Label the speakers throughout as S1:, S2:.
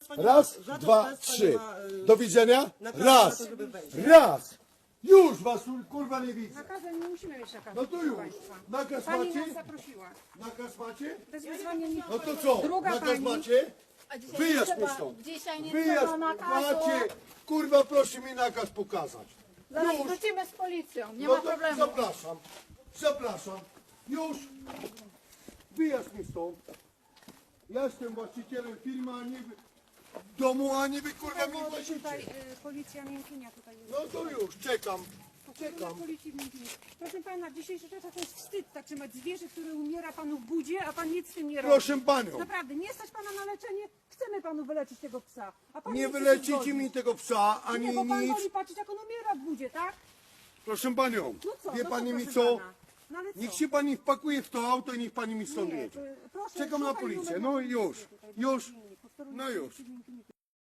S1: nie
S2: Raz,
S1: ma, żaden
S2: dwa,
S1: z państwa
S2: trzy.
S1: nie ma,
S2: Do widzenia.
S1: nakazu
S2: Raz,
S1: na to, żeby wejść.
S2: raz. Już was kurwa nie widzę.
S3: Nakazem nie musimy mieć nakazu.
S2: No to
S3: proszę
S2: już.
S3: państwa.
S2: Nakaz
S3: Pani
S2: macie?
S3: nas zaprosiła.
S2: Nakaz macie?
S3: Bez wezwania nie...
S2: No to co?
S3: Druga
S2: Nakaz
S3: pani.
S2: macie?
S4: A dzisiaj
S2: Wyjaśń
S4: nie
S2: mi
S4: trzeba,
S2: stąd.
S4: dzisiaj nie
S2: Wyjaśń,
S4: trzeba nakazu.
S2: macie. Kurwa proszę mi nakaz pokazać.
S4: Zaraz
S2: Już.
S4: wrócimy z policją, nie
S2: No
S4: ma
S2: to
S4: problemu.
S2: zapraszam. Zapraszam. Już. Wyjaśń mi stąd. Ja jestem właścicielem firmy, a nie wy... domu, a nie wy kurwa mi
S3: Tutaj
S2: właściciel.
S3: policja Miękkinia tutaj jest.
S2: No to już, czekam. Czekam.
S3: Policji w Miękkinie. Proszę pana, w dzisiejszych czasach to jest wstyd tak trzymać zwierzę, które umiera panu w budzie, a pan nic z tym nie robi.
S2: Proszę panią,
S3: Naprawdę, nie stać pana na leczenie, chcemy panu wyleczyć tego psa. A pan
S2: nie
S3: chce się
S2: wylecicie
S3: zgodzić.
S2: mi tego psa, ani
S3: Nie, bo pan
S2: nic.
S3: woli patrzeć, jak on umiera w budzie, tak?
S2: Proszę panią,
S3: No co?
S2: wie
S3: no
S2: pani
S3: co,
S2: mi
S3: proszę
S2: co?
S3: pana? No ale co?
S2: Niech się pani wpakuje w to auto i niech pani mi stąd
S3: Nie,
S2: jedzie.
S3: proszę,
S2: Czekam na
S3: szukaj
S2: policję.
S3: numer
S2: No
S3: policji
S2: już,
S3: tutaj,
S2: już.
S3: Miękkinie, posterunek
S2: No już.
S3: policji w Miękkinie.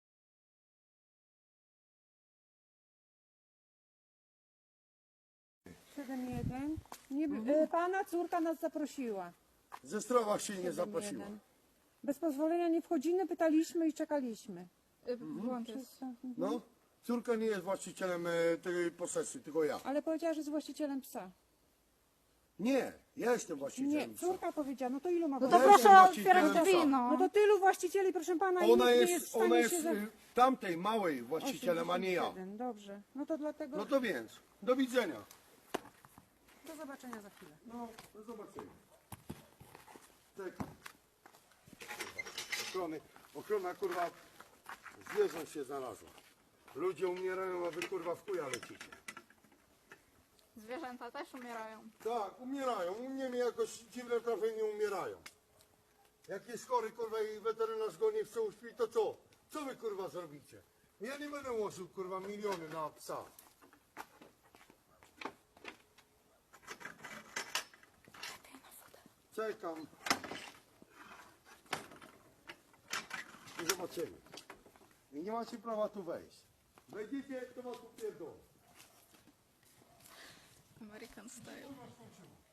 S3: 7-1. Nie, pana córka nas zaprosiła.
S2: Ze Zdrowa się nie zaprosiła.
S3: 7-1. Bez pozwolenia nie wchodzimy, pytaliśmy i czekaliśmy.
S4: Włączę.
S2: No, córka nie jest właścicielem tej posesji, tylko ja.
S3: Ale powiedziała, że jest właścicielem psa.
S2: Nie, ja jestem
S3: Nie,
S2: właścicielem psa.
S3: córka powiedziała, no to ilu ma
S4: No to
S2: Ja
S3: właścicieli?
S2: jestem
S4: proszę otwierać
S2: właścicielem
S4: drzwi,
S2: psa.
S3: No to tylu właścicieli, proszę pana, i
S2: Ona
S3: nikt nie
S2: jest,
S3: jest w stanie
S2: ona jest
S3: się za...
S2: tamtej małej właścicielem, a nie ja.
S3: 87, dobrze. No to dlatego...
S2: No to więc, do widzenia.
S3: Do zobaczenia za chwilę.
S2: No, do zobaczenia. Czekam. Ochrona kurwa zwierząt się znalazła. Ludzie umierają, a wy kurwa w chuja lecicie.
S4: Zwierzęta też umierają.
S2: Tak, umierają. U mnie mi jakoś dziwne trafienie umierają. Jak jest chory kurwa i weterynarz go nie chce uśpić, to co? Co wy kurwa zrobicie? Ja nie będę łożył kurwa miliony na psa. Czekam. I zobaczymy. I nie macie prawa tu wejść. Wejdziecie, to was upierdolę.
S4: American style.